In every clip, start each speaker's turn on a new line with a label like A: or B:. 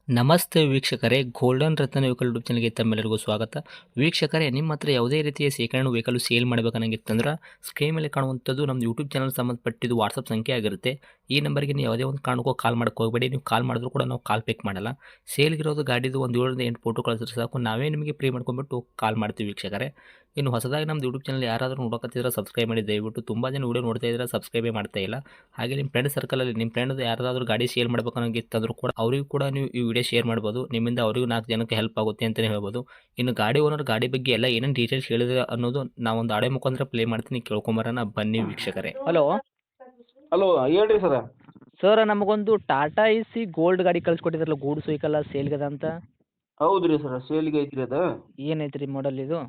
A: ನಮಸ್ತೆ ವೀಕ್ಷಕರೇ, ಗೋಲ್ಡನ್ ರತ್ನ vehicle YouTube ಚಾನಲ್ಗೆ ತಮ್ಮೆಲ್ಲರಿಗೂ ಸ್ವಾಗತ. ವೀಕ್ಷಕರೇ, ನಿಮ್ಮ ಹತ್ರ ಯಾವುದೇ ರೀತಿಯ ಶೇಖರಣೆ ವೆಹಿಕಲ್ ಸೇಲ್ ಮಾಡಬೇಕನ್ನಂಗಿತ್ತಂದ್ರೆ ಸ್ಕ್ರೀನ್ ಮೇಲೆ ಕಾಣುವಂಥದ್ದು ನಮ್ಮ ಯೂಟ್ಯೂಬ್ ಚಾನಲ್ ಸಂಬಂಧಪಟ್ಟಿದ್ದು ವಾಟ್ಸಪ್ ಸಂಖ್ಯೆ ಆಗಿರುತ್ತೆ. ಈ ನಂಬರ್ಗೆ ನೀವು ಯಾವುದೇ ಒಂದು ಕಾರಣಕ್ಕೂ ಕಾಲ್ ಮಾಡೋಕೆ ಹೋಗಬೇಡಿ. ನೀವು ಕಾಲ್ ಮಾಡಿದ್ರು ಕೂಡ ನಾವು ಕಾಲ್ ಪಿಕ್ ಮಾಡಲ್ಲ. ಸೇಲ್ಗಿರೋದು ಗಾಡಿದು ಒಂದು 7ರಿಂದ 8 ಫೋಟೋ ಕಳಿಸಿದ್ರೆ ಸಾಕು, ನಾವೇ ನಿಮಗೆ ಪ್ರೀ ಮಾಡ್ಕೊಂಡ್ಬಿಟ್ಟು ಕಾಲ್ ಮಾಡ್ತೀವಿ ವೀಕ್ಷಕರೇ. ಇನ್ನು ಹೊಸದಾಗಿ ನಮ್ಮದು ಯೂಟ್ಯೂಬ್ ಚಾನಲ್ ಯಾರಾದರೂ ನೋಡೋಕತ್ತಿದ್ರೆ ಸಬ್ಸ್ಕ್ರೈಬ್ ಮಾಡಿ ದಯವಿಟ್ಟು. ತುಂಬ ಜನ ವೀಡಿಯೋ ನೋಡ್ತಾ ಇದ್ದಾರೆ, ಸಬ್ಸ್ಕ್ರೈಬೇ ಮಾಡ್ತಾ ಇಲ್ಲ. ಹಾಗೆ ನಿಮ್ಮ ಫ್ರೆಂಡ್ ಸರ್ಕಲಲ್ಲಿ ನಿಮ್ಮ ಫ್ರೆಂಡ್ ಯಾರಾದರೂ ಗಾಡಿ ಸೇಲ್ ಮಾಡಬೇಕನ್ನೋಂಗಿತ್ತಂದ್ರೂ ಕೂಡ ಅವರಿಗೂ ಕೂಡ ನೀವು ಈ ವಿಡಿಯೋ ಶೇರ್ ಮಾಡ್ಬೋದು. ನಿಮ್ಮಿಂದ ಅವರಿಗೂ 4 ಜನಕ್ಕೆ ಹೆಲ್ಪ್ ಆಗುತ್ತೆ ಅಂತಲೇ ಹೇಳ್ಬೋದು. ಇನ್ನು ಗಾಡಿ ಓನರ್ ಗಾಡಿ ಬಗ್ಗೆ ಎಲ್ಲ ಏನೇನು ಡೀಟೇಲ್ಸ್ ಹೇಳಿದ್ರೆ ಅನ್ನೋದು ನಾವೊಂದು ಆಡಿಯೋ ಮುಖಾಂತರ ಪ್ಲೇ ಮಾಡ್ತೀನಿ, ಕೇಳ್ಕೊಂಬರೋಣ ಬನ್ನಿ ವೀಕ್ಷಕರೇ.
B: ಹಲೋ
C: ಹಲೋ ಹೇಳ್ರಿ ಸರ.
B: ಸರ್, ನಮಗೊಂದು ಟಾಟಾ ಎಸಿ ಗೋಲ್ಡ್ ಗಾಡಿ ಕಳ್ಸಿಕೊಟ್ಟಿದ್ರಲ್ಲ, ಗೂಡ್ಸ್ ವೆಹಿಕಲ್ ಸೇಲ್ಗದ ಅಂತ.
C: ಹೌದು ರೀ ಸರ, ಸೇಲಿಗೆ ಐತ್ರಿ ಅದು.
B: ಏನೈತೆ ರೀ ಮಾಡಲ್ ಇದು?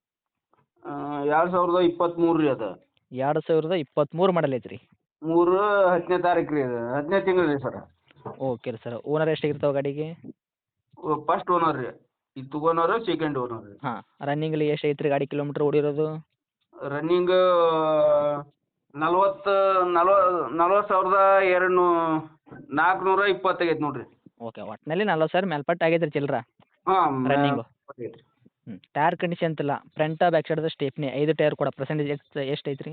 C: 2023 ರೀ ಅದು.
B: 2023 ಮಾಡಲ್ ಐತ್ರಿ.
C: 10ನೇ ತಾರೀಕು ರೀ ಅದು, 10ನೇ ತಿಂಗಳು ರೀ ಸರ.
B: ಓಕೆ ರೀ ಸರ್. ಓನರ್ ಎಷ್ಟಾಗಿರ್ತಾವೆ ಗಾಡಿಗೆ?
C: ಫಸ್ಟ್ ಓನರ್ ರೀ, ಇದು ತಗೋನರು ಸೆಕೆಂಡ್ ಓನರ್ ರೀ.
B: ಹಾಂ, ರನ್ನಿಂಗಲ್ಲಿ ಎಷ್ಟು ಐತ್ರಿ ಗಾಡಿ ಕಿಲೋಮೀಟ್ರ್ ಓಡಿರೋದು?
C: ರನ್ನಿಂಗ್ 40,220 ಆಗೈತೆ ನೋಡ್ರಿ.
B: ಓಕೆ, ಒಟ್ಟಿನಲ್ಲಿ 40,000 ಮೇಲ್ಪಟ್ಟು ಆಗೈತೆ ರೀ ಚಿಲ್ಲರ
C: ಹಾಂ
B: ರನ್ನಿಂಗು. ಟೈರ್ ಕಂಡೀಷನ್ ಅಂತಿಲ್ಲ, ಫ್ರಂಟ್ ಬ್ಯಾಕ್ ಸೈಡ್ದ ಸ್ಟೇಪ್ನಿ 5 ಟೈರ್ ಕೂಡ ಪರ್ಸೆಂಟೇಜ್ ಎಷ್ಟು ಐತ್ರಿ?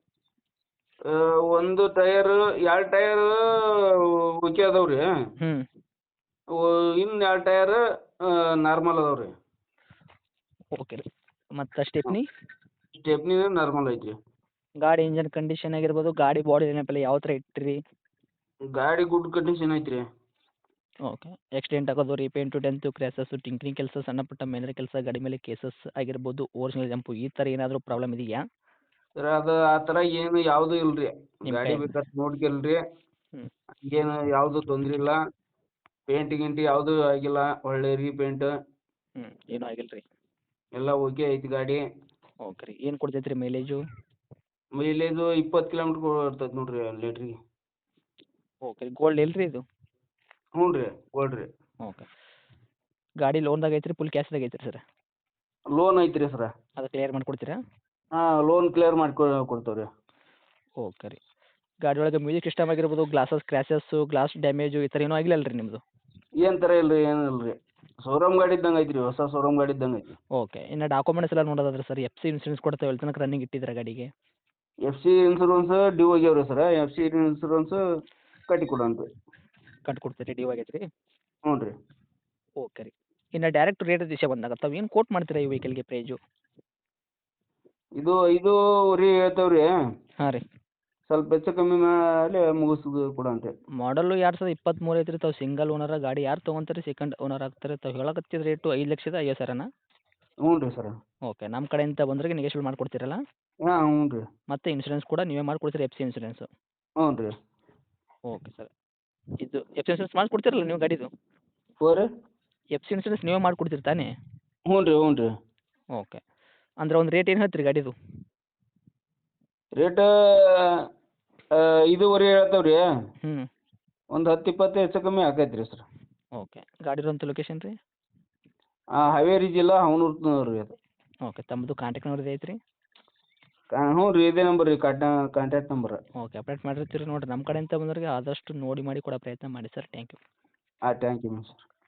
C: ಒಂದು ಟೈರ್ 2 ಟೈರ್ ಓಕೆ ಅದಾವೆ ರೀ.
B: ಹ್ಞೂ,
C: ಇನ್ನು 2 ಟೈರ್ ನಾರ್ಮಲ್ ಅದಾವೆ ರೀ.
B: ಓಕೆ ರೀ. ಮತ್ತು ಸ್ಟೇಪ್ನಿ
C: ನಾರ್ಮಲ್ ಐತ್ರಿ.
B: ಗಾಡಿ ಇಂಜನ್ ಕಂಡೀಷನ್ ಆಗಿರ್ಬೋದು, ಗಾಡಿ ಬಾಡಿ ಏನಪ್ಪಲ್ಲ ಯಾವ ಥರ ಇಟ್ಟಿರಿ?
C: ಗಾಡಿ ಗುಡ್ ಕಂಡೀಷನ್ ಐತ್ರಿ.
B: ಓಕೆ. ಆಕ್ಸಿಡೆಂಟ್ ಆಗೋದು, ರೀಪೇಂಟು, ಡೆಂತು, ಕ್ರ್ಯಾಸಸ್ಸು, ಟಿಂಕ್ರಿಂಗ್ ಕೆಲಸ, ಸಣ್ಣ ಪುಟ್ಟ ಮೇನರ್ ಕೆಲಸ, ಗಾಡಿ ಮೇಲೆ ಕೇಸಸ್ ಆಗಿರ್ಬೋದು, ಓರಿಜಿನಲ್ ಜಂಪು, ಈ ಥರ ಏನಾದರೂ ಪ್ರಾಬ್ಲಮ್ ಇದೆಯಾ?
C: ಸರ್ ಅದು ಆ ಥರ ಏನು ಯಾವುದೂ ಇಲ್ಲ ರೀ.
B: ನಿಮ್ಮ
C: ಗಾಡಿ
B: ಕೈ
C: ಬೇಕಾದ್ರೆ ನೋಡ್ಕೊಳ್ರಿ.
B: ಹ್ಞೂ
C: ಏನು ಯಾವುದು ತೊಂದ್ರೆ ಇಲ್ಲ. ಪೇಂಟ್ ಗಿಂಟ್ ಯಾವುದೂ ಆಗಿಲ್ಲ, ಒಳ್ಳೆ ರೀಪೇಂಟ್
B: ಹ್ಞೂ ಏನೂ ಆಗಿಲ್ಲ ರೀ.
C: ಎಲ್ಲ ಓಕೆ ಐತಿ ಗಾಡಿ.
B: ಓಕೆ ರೀ. ಏನು ಕೊಡ್ತೈತೆ ರೀ ಮೈಲೇಜು?
C: ಮೈಲೇಜು 20 ಕಿಲೋಮೀಟ್ರ್ ಕೊಡ್ತೈತೆ ನೋಡಿರಿ ಲೀಟ್ರಿಗೆ.
B: ಓಕೆ ರೀ. ಗೋಲ್ಡ್ ಇಲ್ಲ ರೀ ಇದು?
C: ಹ್ಞೂ ರೀ, ಗೋಲ್ಡ್ ರೀ.
B: ಓಕೆ. ಗಾಡಿ ಲೋನ್ದಾಗ ಐತ್ರಿ, ಫುಲ್ ಕ್ಯಾಶ್ದಾಗ ಐತ್ರಿ ಸರ್?
C: ಲೋನ್ ಐತ್ರಿ ಸರ.
B: ಅದು ಕ್ಲಿಯರ್ ಮಾಡಿಕೊಡ್ತೀರಾ?
C: ಹಾಂ, ಲೋನ್ ಕ್ಲಿಯರ್ ಕೊಡ್ತೇವೆ ರೀ.
B: ಓಕೆ ರೀ. ಗಾಡಿ ಒಳಗೆ ಮ್ಯೂಸಿಕ್ ಸಿಸ್ಟಮ್ ಆಗಿರ್ಬೋದು, ಗ್ಲಾಸಸ್ ಕ್ರ್ಯಾಶಸ್ಸು, ಗ್ಲಾಸ್ ಡ್ಯಾಮೇಜು, ಈ ಥರ ಏನೂ ಆಗಿಲ್ಲ ರೀ ನಿಮ್ಮದು?
C: ಏನು ಥರ ಇಲ್ಲ ರೀ, ಏನು ಇಲ್ಲ ರೀ. ಶೋರೂಮ್ ಗಾಡಿ ಇದ್ದಂಗೆ ಐತಿ ರೀ, ಹೊಸ ಶೋರೂಮ್ ಗಾಡಿ ಇದ್ದಂಗೆ ಐತಿ.
B: ಓಕೆ. ಇನ್ನು ಡಾಕ್ಯುಮೆಂಟ್ಸ್ ಎಲ್ಲ ನೋಡೋದಾದ್ರೆ ಸರ್, ಎಫ್ ಸಿ ಇನ್ಸೂರೆನ್ಸ್ ಕೊಡ್ತೇವೆ, ಎಲ್ಲಿ ತನಕ ರನ್ನಿಂಗ್ ಇಟ್ಟಿದ್ದೀರಾ ಗಾಡಿಗೆ?
C: ಎಫ್ ಸಿ ಇನ್ಸೂರೆನ್ಸ್ ಡ್ಯೂ ಆಗ್ಯಾವ ರೀ ಸರ. ಎಫ್ ಸಿ ಇನ್ಸೂರೆನ್ಸ್ ಕಟ್ಟಿ ಕೊಡೋಣ ರೀ.
B: ಕಟ್ಟಿ ಕೊಡ್ತೀರಿ, ಡ್ಯೂ ಆಗೈತೆ ರೀ?
C: ಹ್ಞೂ ರೀ.
B: ಓಕೆ ರೀ. ಇನ್ನು ಡೈರೆಕ್ಟ್ ರೇಟ್ ವಿಷಯ ಬಂದಾಗ ತಾವು ಏನು ಕೋಟ್ ಮಾಡ್ತೀರಾ ಈ ವೆಹಿಕಲ್ಗೆ ಪ್ರೈಜು?
C: ಇದು 5.5 ಹೇಳ್ತೇವೆ ರೀ.
B: ಹಾಂ ರೀ.
C: ಸ್ವಲ್ಪ ಹೆಚ್ಚು ಕಮ್ಮಿ ಮೇಲೆ ಮುಗಿಸ್ದು ಕೊಡಂತೆ.
B: ಮಾಡಲು 2023 ಐತ್ರಿ. ತಾವು ಸಿಂಗಲ್ ಓನರ ಗಾಡಿ ಯಾರು ತೊಗೊಂತಾರೆ ಸೆಕೆಂಡ್ ಓನರ್ ಆಗ್ತಾರೆ? ತಾವು ಹೇಳಕತ್ತಿದ ರೇಟು 5,50,000
C: ಹ್ಞೂ ರೀ ಸರ.
B: ಓಕೆ. ನಮ್ಮ ಕಡೆಯಿಂದ ಬಂದ್ರೆ ನೆಗೆಶ್ಯಬಲ್ ಮಾಡಿಕೊಡ್ತೀರಲ್ಲ?
C: ಹಾಂ ಹ್ಞೂ ರೀ.
B: ಮತ್ತು ಇನ್ಸೂರೆನ್ಸ್ ಕೂಡ ನೀವೇ ಮಾಡಿಕೊಡ್ತೀರಿ, ಎಫ್ ಸಿ ಇನ್ಸೂರೆನ್ಸು?
C: ಹ್ಞೂ ರೀ.
B: Okay sir. ಇದು ಎಫ್ ಸಿ ಇನ್ಸೂರೆನ್ಸ್ ಮಾಡಿಕೊಡ್ತೀರಲ್ಲ ನೀವು ಗಾಡಿದು?
C: ಹ್ಞೂ ರೀ.
B: ಎಫ್ ಸಿ ಇನ್ಸೂರೆನ್ಸ್ ನೀವೇ ಮಾಡಿಕೊಡ್ತೀರಿ ತಾನೇ?
C: ಹ್ಞೂ ರೀ. ಹ್ಞೂ ರೀ.
B: ಓಕೆ. ಅಂದ್ರೆ ಒಂದು ರೇಟ್ ಏನು ಹೇಳ್ತೀರಿ ಗಾಡಿದು?
C: ರೇಟ್ 5.5 ಹೇಳ್ತೇವೆ ರೀ.
B: ಹ್ಞೂ.
C: ಒಂದು 10-20 ಹೆಚ್ಚು ಕಮ್ಮಿ ಆಕೈತೆ ರೀ ಸರ್.
B: ಓಕೆ. ಗಾಡಿ ಇರೋಂಥ ಲೊಕೇಶನ್ ರೀ?
C: ಹಾವೇರಿ ಜಿಲ್ಲಾ ಹವನೂರು ರೀ ಅದು.
B: ಓಕೆ. ತಮ್ಮದು ಕಾಂಟ್ಯಾಕ್ಟ್ ನಂಬರ್ ಐತ್ರಿ?
C: ಹ್ಞೂ ರೀ, ಇದೇ ನಂಬರ್ ರೀ ಕಾಂಟ್ಯಾಕ್ಟ್ ನಂಬರ್.
B: ಓಕೆ. ಅಪ್ಡೇಟ್ ಮಾಡಿರ್ತೀರಿ ನೋಡಿರಿ. ನಮ್ಮ ಕಡೆಯಿಂದ ಬಂದವ್ರಿಗೆ ಆದಷ್ಟು ನೋಡಿ ಮಾಡಿ ಕೊಡೋ ಪ್ರಯತ್ನ ಮಾಡಿ sir. Thank you.
C: Thank you ma'am sir.